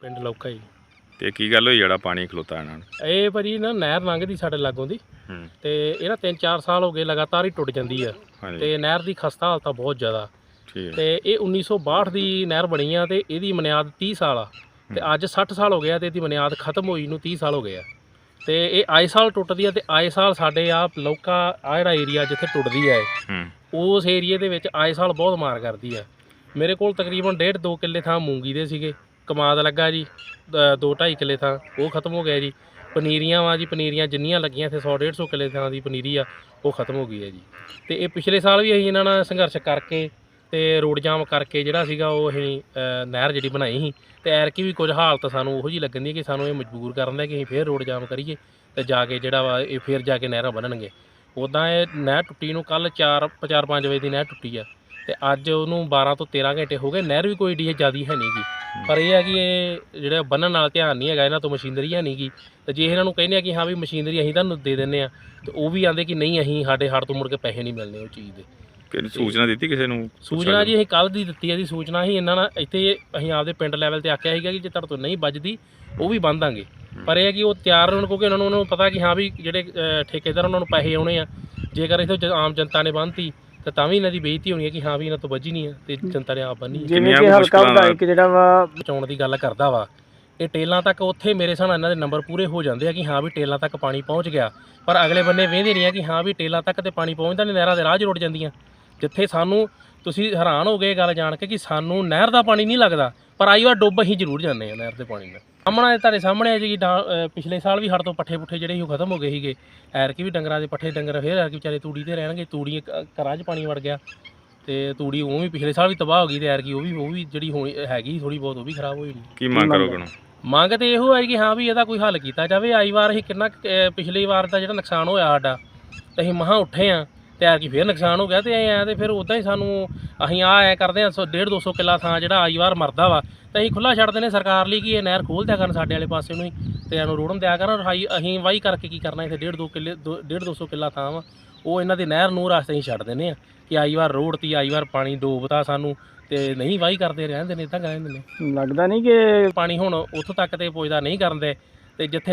ਪਿੰਡ ਲੌਕਾ ਜੀ। ਤੇ ਕੀ ਗੱਲ ਹੋਈ ਜਿਹੜਾ ਪਾਣੀ ਖਲੋਤਾ ਇਹਨਾਂ ਨੂੰ? ਇਹ ਭਾਜੀ ਨਾ ਨਹਿਰ ਲੰਘਦੀ ਸਾਡੇ ਲਾਗੋਂ ਦੀ ਤੇ ਇਹ ਨਾ 3-4 ਸਾਲ ਹੋ ਗਏ ਲਗਾਤਾਰ ਹੀ ਟੁੱਟ ਜਾਂਦੀ ਆ ਤੇ ਨਹਿਰ ਦੀ ਖਸਤਾ ਹਾਲਤ ਆ ਬਹੁਤ ਜ਼ਿਆਦਾ। ਤੇ ਇਹ 1962 ਦੀ ਨਹਿਰ ਬਣੀ ਆ ਤੇ ਇਹਦੀ ਬੁਨਿਆਦ 30 ਸਾਲ ਆ ਤੇ ਅੱਜ 60 ਸਾਲ ਹੋ ਗਿਆ ਤੇ ਇਹਦੀ ਬੁਨਿਆਦ ਖਤਮ ਹੋਈ ਨੂੰ 30 ਸਾਲ ਹੋ ਗਏ ਆ ਤੇ ਇਹ ਆਏ ਸਾਲ ਟੁੱਟਦੀ ਆ ਤੇ ਆਏ ਸਾਲ ਸਾਡੇ ਆ ਲੌਕਾ ਆ ਜਿਹੜਾ ਏਰੀਆ ਜਿੱਥੇ ਟੁੱਟਦੀ ਆ ਉਸ ਏਰੀਏ ਦੇ ਵਿੱਚ ਆਏ ਸਾਲ ਬਹੁਤ ਮਾਰ ਕਰਦੀ ਆ। ਮੇਰੇ ਕੋਲ ਤਕਰੀਬਨ 1.5-2 ਕਿੱਲੇ ਥਾਂ ਮੂੰਗੀ ਦੇ ਸੀਗੇ, ਕਮਾਦ ਲੱਗਾ ਜੀ 2-2.5 ਕਿੱਲੇ ਥਾਂ ਉਹ ਖਤਮ ਹੋ ਗਿਆ ਜੀ। ਪਨੀਰੀਆਂ ਵਾ ਜੀ, ਪਨੀਰੀਆਂ ਜਿੰਨੀਆਂ ਲੱਗੀਆਂ ਇੱਥੇ 100-150 ਕਿੱਲੇ ਥਾਂ ਦੀ ਪਨੀਰੀ ਆ ਉਹ ਖਤਮ ਹੋ ਗਈ ਹੈ ਜੀ। ਤੇ ਇਹ ਪਿਛਲੇ ਸਾਲ ਵੀ ਅਸੀਂ ਇਹਨਾਂ ਨਾਲ ਸੰਘਰਸ਼ ਕਰਕੇ ਤੇ ਰੋਡ ਜਾਮ ਕਰਕੇ ਜਿਹੜਾ ਸੀਗਾ ਉਹ ਅਸੀਂ ਨਹਿਰ ਜਿਹੜੀ ਬਣਾਈ ਸੀ ਤੇ ਐਰਕੀ ਵੀ ਕੁਝ ਹਾਲਤ ਸਾਨੂੰ ਉਹੋ ਜਿਹੀ ਲੱਗਣ ਦੀ ਕਿ ਸਾਨੂੰ ਇਹ ਮਜਬੂਰ ਕਰਨ ਦਾ ਕਿ ਅਸੀਂ ਫੇਰ ਰੋਡ ਜਾਮ ਕਰੀਏ ਤੇ ਜਾ ਕੇ ਜਿਹੜਾ ਵਾ ਇਹ ਫੇਰ ਜਾ ਕੇ ਨਹਿਰਾਂ ਬਣਨਗੇ। ਉੱਦਾਂ ਇਹ ਨਹਿਰ ਟੁੱਟੀ ਨੂੰ ਕੱਲ੍ਹ 4-5 ਵਜੇ ਦੀ ਨਹਿਰ ਟੁੱਟੀ ਆ ਤੇ ਅੱਜ ਉਹਨੂੰ 12 ਤੋਂ 13 ਘੰਟੇ ਹੋ ਗਏ। ਨਹਿਰ ਵੀ ਕੋਈ ਏਡੀ ਜ਼ਿਆਦਾ ਹੈ ਨਹੀਂ ਗੀ, ਪਰ ਇਹ ਹੈ ਕਿ ਇਹ ਜਿਹੜਾ ਬੰਨ੍ਹਣ ਨਾਲ ਧਿਆਨ ਨਹੀਂ ਹੈਗਾ, ਇਹਨਾਂ ਤੋਂ ਮਸ਼ੀਨਰੀ ਹੈ ਨਹੀਂ ਗੀ। ਤੇ ਜੇ ਇਹਨਾਂ ਨੂੰ ਕਹਿੰਦੇ ਆ ਕਿ ਹਾਂ ਵੀ ਮਸ਼ੀਨਰੀ ਅਸੀਂ ਤੁਹਾਨੂੰ ਦੇ ਦਿੰਦੇ ਆ ਤੇ ਉਹ ਵੀ ਆਂਦੇ ਕਿ ਨਹੀਂ, ਅਸੀਂ ਸਾਡੇ ਹੱਥ ਤੋਂ ਮੁੜ ਕੇ ਪੈਸੇ ਨਹੀਂ ਮਿਲਣੇ ਉਹ ਚੀਜ਼ ਦੇ। ਕਿਹੜੀ ਸੂਚਨਾ ਦਿੱਤੀ ਕਿਸੇ ਨੂੰ? ਸੂਚਨਾ ਜੀ ਅਸੀਂ ਕੱਲ੍ਹ ਦੀ ਦਿੱਤੀ ਹੈ ਜੀ ਸੂਚਨਾ। ਅਸੀਂ ਇਹਨਾਂ ਨਾਲ ਇੱਥੇ ਅਸੀਂ ਆਪਦੇ ਪਿੰਡ ਲੈਵਲ ਤੇ ਆਖਿਆ ਸੀਗਾ ਕਿ ਜੇ ਤੁਹਾਡੇ ਤੋਂ ਨਹੀਂ ਵੱਜਦੀ ਉਹ ਵੀ ਬੰਨ੍ਹ ਦਾਂਗੇ, ਪਰ ਇਹ ਹੈ ਕਿ ਉਹ ਤਿਆਰ ਹੋਣ ਕਿਉਂਕਿ ਉਹਨਾਂ ਨੂੰ ਪਤਾ ਕਿ ਹਾਂ ਵੀ ਜਿਹੜੇ ਠੇਕੇਦਾਰ ਉਹਨਾਂ ਨੂੰ ਪੈਸੇ ਆਉਣੇ ਆ। ਜੇਕਰ ਇੱਥੇ ਆਮ ਜਨਤਾ ਨੇ ਬੰਨ੍ਹਤੀ ਤੇ ਤਾਂ ਵੀ ਇਹਨਾਂ ਦੀ ਬੇਇੱਜ਼ਤੀ ਹੋਣੀ ਹੈ ਕਿ ਹਾਂ ਵੀ ਇਹਨਾਂ ਤੋਂ ਵੱਜੀ ਨਹੀਂ ਆ ਤੇ ਜਨਤਾ ਨੇ ਆਪ ਬੰਨੀ। ਜਿਵੇਂ ਕਿ ਹਲਕਾ ਵਿਧਾਇਕ ਜਿਹੜਾ ਵਾ ਬਚਾਉਣ ਦੀ ਗੱਲ ਕਰਦਾ ਵਾ, ਇਹ ਟੇਲਾਂ ਤੱਕ ਉੱਥੇ ਮੇਰੇ ਹਿਸਾਬ ਨਾਲ ਇਹਨਾਂ ਦੇ ਨੰਬਰ ਪੂਰੇ ਹੋ ਜਾਂਦੇ ਆ ਕਿ ਹਾਂ ਵੀ ਟੇਲਾਂ ਤੱਕ ਪਾਣੀ ਪਹੁੰਚ ਗਿਆ, ਪਰ ਅਗਲੇ ਬੰਨੇ ਵੇਂਦੇ ਨਹੀਂ ਆ ਕਿ ਹਾਂ ਵੀ ਟੇਲਾਂ ਤੱਕ ਤੇ ਪਾਣੀ ਪਹੁੰਚਦਾ ਨਹੀਂ, ਨਹਿਰਾਂ ਦੇ ਰਾਹ 'ਚ ਰੁੜ ਜਾਂਦੀਆਂ। ਜਿੱਥੇ ਸਾਨੂੰ ਤੁਸੀਂ ਹੈਰਾਨ ਹੋ ਗਏ ਗੱਲ ਜਾਣ ਕੇ ਕਿ ਸਾਨੂੰ ਨਹਿਰ ਦਾ ਪਾਣੀ ਨਹੀਂ ਲੱਗਦਾ, ਪਰ ਆਈ ਵਾਰ ਡੁੱਬ ਅਸੀਂ ਜ਼ਰੂਰ ਜਾਂਦੇ ਹਾਂ ਨਹਿਰ ਦੇ ਪਾਣੀ ਨਾਲ। ਸਾਹਮਣੇ ਤੁਹਾਡੇ ਸਾਹਮਣੇ ਆ ਜੀ ਪਿਛਲੇ ਸਾਲ ਵੀ ਸਾਡੇ ਤੋਂ ਪੱਠੇ ਪੁੱਠੇ ਜਿਹੜੇ ਸੀ ਉਹ ਖਤਮ ਹੋ ਗਏ ਸੀਗੇ। ਐਰਕੀ ਵੀ ਡੰਗਰਾਂ ਦੇ ਪੱਠੇ ਡੰਗਰ ਫੇਰ ਐਰਕੀ ਵਿਚਾਰੇ ਤੂੜੀ ਤੇ ਰਹਿਣਗੇ, ਤੂੜੀ ਘਰਾਂ 'ਚ ਪਾਣੀ ਵੜ ਗਿਆ ਤੇ ਤੂੜੀ ਉਹ ਵੀ ਪਿਛਲੇ ਸਾਲ ਵੀ ਤਬਾਹ ਹੋ ਗਈ ਤੇ ਐਰਕੀ ਉਹ ਵੀ ਜਿਹੜੀ ਹੋਣੀ ਹੈਗੀ ਥੋੜੀ ਬਹੁਤ ਉਹ ਵੀ ਖਰਾਬ ਹੋਈ। ਕੀ ਮੰਗ ਕਰੋਗੇ? ਮੰਗ ਤੇ ਇਹੋ ਹੈ ਕਿ ਹਾਂ ਵੀ ਇਹਦਾ ਕੋਈ ਹੱਲ ਕੀਤਾ ਜਾਵੇ। ਆਈ ਵਾਰ ਅਸੀਂ ਕਿੰਨਾ ਪਿਛਲੀ ਵਾਰ ਦਾ ਜਿਹੜਾ ਨੁਕਸਾਨ ਹੋਇਆ ਸਾਡਾ ਤੇ ਅਸੀਂ ਮਹਾਂ ਉੱਠੇ ਆ ਤੇ ਐਰਕੀ ਫੇਰ ਨੁਕਸਾਨ ਹੋ ਗਿਆ ਤੇ ਐਂ ਤੇ ਫਿਰ ਉੱਦਾਂ ਹੀ ਸਾਨੂੰ ਅਸੀਂ ਐਂ ਕਰਦੇ ਹਾਂ 150-200 ਕਿੱਲਾ ਥਾਂ ਜਿਹੜਾ ਆਈ ਵਾਰ ਮਰਦਾ ਵਾ ਤੇ ਅਸੀਂ ਖੁੱਲ੍ਹਾ ਛੱਡ ਦਿੰਦੇ ਸਰਕਾਰ ਲਈ ਕਿ ਇਹ ਨਹਿਰ ਖੋਲ੍ਹ ਦਿਆ ਕਰਨ ਸਾਡੇ ਵਾਲੇ ਪਾਸੇ ਨੂੰ ਹੀ ਤੇ ਇਹਨੂੰ ਰੋੜਨ ਦਿਆ ਕਰਨ। ਅਸੀਂ ਵਾਹੀ ਕਰਕੇ ਕੀ ਕਰਨਾ, ਇੱਥੇ 1.5-200 ਕਿੱਲਾ ਥਾਂ ਵਾ ਉਹ ਇਹਨਾਂ ਦੇ ਨਹਿਰ ਨੂੰ ਰਸਤੇ ਅਸੀਂ ਛੱਡ ਦਿੰਦੇ ਆ ਕਿ ਆਈ ਵਾਰ ਰੋੜਤੀ, ਆਈ ਵਾਰ ਪਾਣੀ ਡੋਬਤਾ ਸਾਨੂੰ ਤੇ ਨਹੀਂ ਵਾਹੀ ਕਰਦੇ ਰਹਿੰਦੇ ਨੇ, ਇੱਦਾਂ ਕਹਿੰਦੇ ਨੇ। ਲੱਗਦਾ ਨਹੀਂ ਕਿ ਪਾਣੀ ਹੁਣ ਉੱਥੋਂ ਤੱਕ ਤੇ ਪੁੱਜਦਾ ਨਹੀਂ ਕਰਦੇ ਤੇ ਜਿੱਥੇ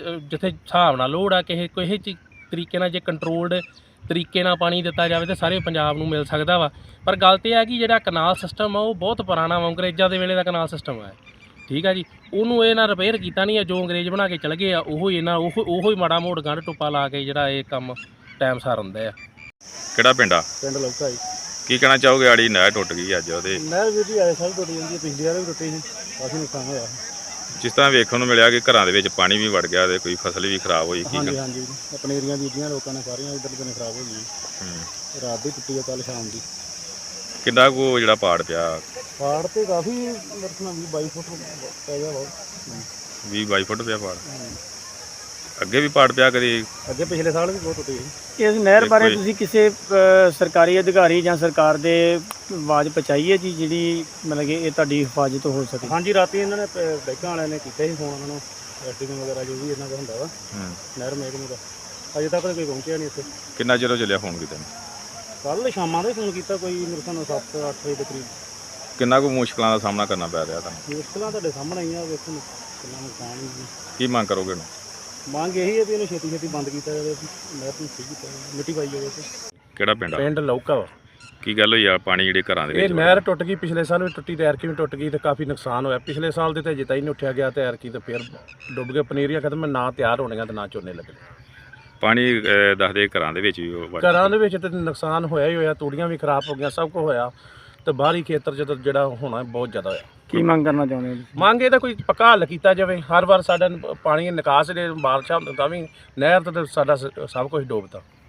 ਹਿਸਾਬ ਨਾਲ ਲੋੜ ਆ ਕਿਸੇ ਤਰੀਕੇ ਨਾਲ ਜੇ ਕੰਟਰੋਲਡ ਤਰੀਕੇ ਨਾਲ ਪਾਣੀ ਦਿੱਤਾ ਜਾਵੇ ਤਾਂ ਸਾਰੇ ਪੰਜਾਬ ਨੂੰ ਮਿਲ ਸਕਦਾ ਵਾ। ਪਰ ਗੱਲ ਤੇ ਹੈ ਕਿ ਜਿਹੜਾ ਕਨਾਲ ਸਿਸਟਮ ਆ ਉਹ ਬਹੁਤ ਪੁਰਾਣਾ ਵਾ, ਅੰਗਰੇਜ਼ਾਂ ਦੇ ਵੇਲੇ ਦਾ ਕਨਾਲ ਸਿਸਟਮ ਹੈ, ਠੀਕ ਆ ਜੀ। ਉਹਨੂੰ ਇਹ ਨਾ ਰਿਪੇਅਰ ਕੀਤਾ ਨਹੀਂ ਆ, ਜੋ ਅੰਗਰੇਜ਼ ਬਣਾ ਕੇ ਚਲੇ ਗਏ ਆ ਉਹੋ ਹੀ ਮਾੜਾ ਮੋੜ ਗੰਢ ਟੁੱਪਾ ਲਾ ਕੇ ਜਿਹੜਾ ਇਹ ਕੰਮ ਟਾਈਮ ਸਾਰ ਹੁੰਦਾ ਆ। ਕਿਹੜਾ ਪਿੰਡ ਆ? ਪਿੰਡ ਲੌਕਾ ਜੀ। ਕੀ ਕਹਿਣਾ ਚਾਹੋਗੇ? ਆੜੀ ਨਹਿਰ ਟੁੱਟ ਗਈ ਅੱਜ ਉਹਦੇ ਨਹਿਰ ਵੀ ਆਏ ਸਾਲ ਟੁੱਟ ਜਾਂਦੀ ਹੈ, ਪਿਛਲੀ ਵਾਰ ਵੀ ਟੁੱਟੀ ਸੀ, ਕਾਫੀ ਨੁਕਸਾਨ ਹੋਇਆ। ਜਿਸ ਤਰ੍ਹਾਂ ਵੇਖਣ ਨੂੰ ਮਿਲਿਆ ਕਿ ਘਰਾਂ ਦੇ ਵਿੱਚ ਪਾਣੀ ਵੀ ਵੜ ਗਿਆ ਤੇ ਕੋਈ ਫਸਲ ਵੀ ਖਰਾਬ ਹੋਈ। ਹਾਂਜੀ ਹਾਂਜੀ, ਪਨੀਰੀਆਂ ਬੀਜੀਆਂ ਲੋਕਾਂ ਨੇ ਸਾਰੀਆਂ ਇੱਧਰ ਤੋਂ ਖਰਾਬ ਹੋ ਗਈਆਂ। ਰਾਤ ਦੀ ਟੁੱਟੀ ਆ, ਕੱਲ੍ਹ ਸ਼ਾਮ ਦੀ। ਕਿੰਨਾ ਕੁ ਜਿਹੜਾ ਪਾੜ ਪਿਆ? ਪਾੜ ਤੇ ਕਾਫੀ ਮਰਤਨਾ 20-22 ਫੁੱਟ ਪੈ ਗਿਆ ਬਹੁਤ। 20-22 ਫੁੱਟ ਪਿਆ ਪਾੜ। ਅੱਗੇ ਵੀ ਪਾੜ ਪਿਆ ਕਦੀ? ਅੱਗੇ ਪਿਛਲੇ ਸਾਲ ਵੀ ਬਹੁਤ ਟੁੱਟੀ ਸੀ। ਇਸ ਨਹਿਰ ਬਾਰੇ ਤੁਸੀਂ ਕਿਸੇ ਸਰਕਾਰੀ ਅਧਿਕਾਰੀ ਜਾਂ ਸਰਕਾਰ ਦੇ ਆਵਾਜ਼ ਪਹੁੰਚਾਈ ਹੈ ਜੀ ਜਿਹੜੀ ਮਤਲਬ ਕਿ ਇਹ ਤੁਹਾਡੀ ਹਿਫਾਜ਼ਤ ਹੋ ਸਕੇ? ਹਾਂਜੀ, ਰਾਤੀ ਇਹਨਾਂ ਨੇ ਬੈਂਕਾਂ ਵਾਲਿਆਂ ਨੇ ਕੀਤਾ ਸੀ ਫੋਨ ਉਹਨਾਂ ਨੂੰ, ਐਸਟੀਐਮ ਵਗੈਰਾ ਜੋ ਵੀ ਇਹਨਾਂ ਦਾ ਹੁੰਦਾ ਵਾ ਨਹਿਰ ਮਹਿਕਮੇ ਦਾ, ਅਜੇ ਤੱਕ ਕੋਈ ਪਹੁੰਚਿਆ ਨਹੀਂ ਇੱਥੇ। ਕਿੰਨਾ ਚਿਰ ਚੱਲਿਆ ਫੋਨ ਕੀਤਾ? ਕੱਲ੍ਹ ਸ਼ਾਮਾਂ ਦੇ ਫੋਨ ਕੀਤਾ, ਕੋਈ ਮੇਰੇ ਸਾਨੂੰ 7-8 ਵਜੇ ਦੇ ਕਰੀਬ। ਕਿੰਨਾ ਕੁ ਮੁਸ਼ਕਲਾਂ ਦਾ ਸਾਹਮਣਾ ਕਰਨਾ ਪੈ ਰਿਹਾ ਤੁਹਾਨੂੰ? ਮੁਸ਼ਕਲਾਂ ਤੁਹਾਡੇ ਸਾਹਮਣੇ ਹੀ ਆ, ਵੇਖੋ ਕਿੰਨਾ ਨੁਕਸਾਨ। ਕੀ ਮੰਗ ਕਰੋਗੇ? ਮੰਗ ਇਹੀ ਹੈ ਵੀ ਇਹਨੂੰ ਛੇਤੀ ਬੰਦ ਕੀਤਾ ਜਾਵੇ, ਨਹਿਰ ਨੂੰ ਸਹੀ ਕੀਤਾ ਜਾਵੇ, ਮਿੱਟੀ ਪਾਈ ਜਾਵੇ। ਕਿਹੜਾ ਪਿੰਡ ਆ? ਪਿੰਡ ਲੌਕਾ ਵਾ। ਕੀ ਗੱਲ ਹੋਈ ਆ ਪਾਣੀ ਜਿਹੜੇ ਘਰਾਂ ਦੇ ਇਹ ਵਿੱਚ? ਨਹਿਰ ਟੁੱਟ ਗਈ, ਪਿਛਲੇ ਸਾਲ ਵੀ ਟੁੱਟੀ ਤੇ ਐਰਕੀ ਵੀ ਟੁੱਟ ਗਈ ਤੇ ਕਾਫੀ ਨੁਕਸਾਨ ਹੋਇਆ। ਪਿਛਲੇ ਸਾਲ ਦੇ ਤੇ ਜਿੱਤਾ ਹੀ ਨਹੀਂ ਉੱਠਿਆ ਗਿਆ ਤੇ ਐਰਕੀ ਤੇ ਫਿਰ ਡੁੱਬ ਗਏ। ਪਨੀਰੀਆਂ ਖਤਮ, ਨਾ ਤਿਆਰ ਹੋਣੀਆਂ ਤੇ ਨਾ ਝੋਨੇ ਲੱਗਣੇ। ਪਾਣੀ ਦੱਸਦੇ ਘਰਾਂ ਦੇ ਵਿੱਚ ਵੀ ਘਰਾਂ ਦੇ ਵਿੱਚ ਤੇ ਨੁਕਸਾਨ ਹੋਇਆ ਹੀ ਹੋਇਆ, ਤੂੜੀਆਂ ਵੀ ਖਰਾਬ ਹੋ ਗਈਆਂ, ਸਭ ਕੁਝ ਹੋਇਆ ਤੇ ਬਾਹਰੀ ਖੇਤਰ 'ਚ ਜਿਹੜਾ ਹੋਣਾ ਬਹੁਤ ਜ਼ਿਆਦਾ ਹੋਇਆ। ਕੀ ਮੰਗ ਕਰਨਾ ਚਾਹੁੰਦੇ ਹੋ? ਮੰਗ ਇਹਦਾ ਕੋਈ ਪੱਕਾ ਹੱਲ ਕੀਤਾ ਜਾਵੇ। ਹਰ ਵਾਰ ਸਾਡਾ ਪਾਣੀ ਨਿਕਾਸ ਦੇ ਬਾਰਿਸ਼ਾਂ ਤਾਂ ਵੀ ਨਹਿਰ ਤੇ ਸਾਡਾ ਸਭ ਕੁਝ ਡੋਬਦਾ।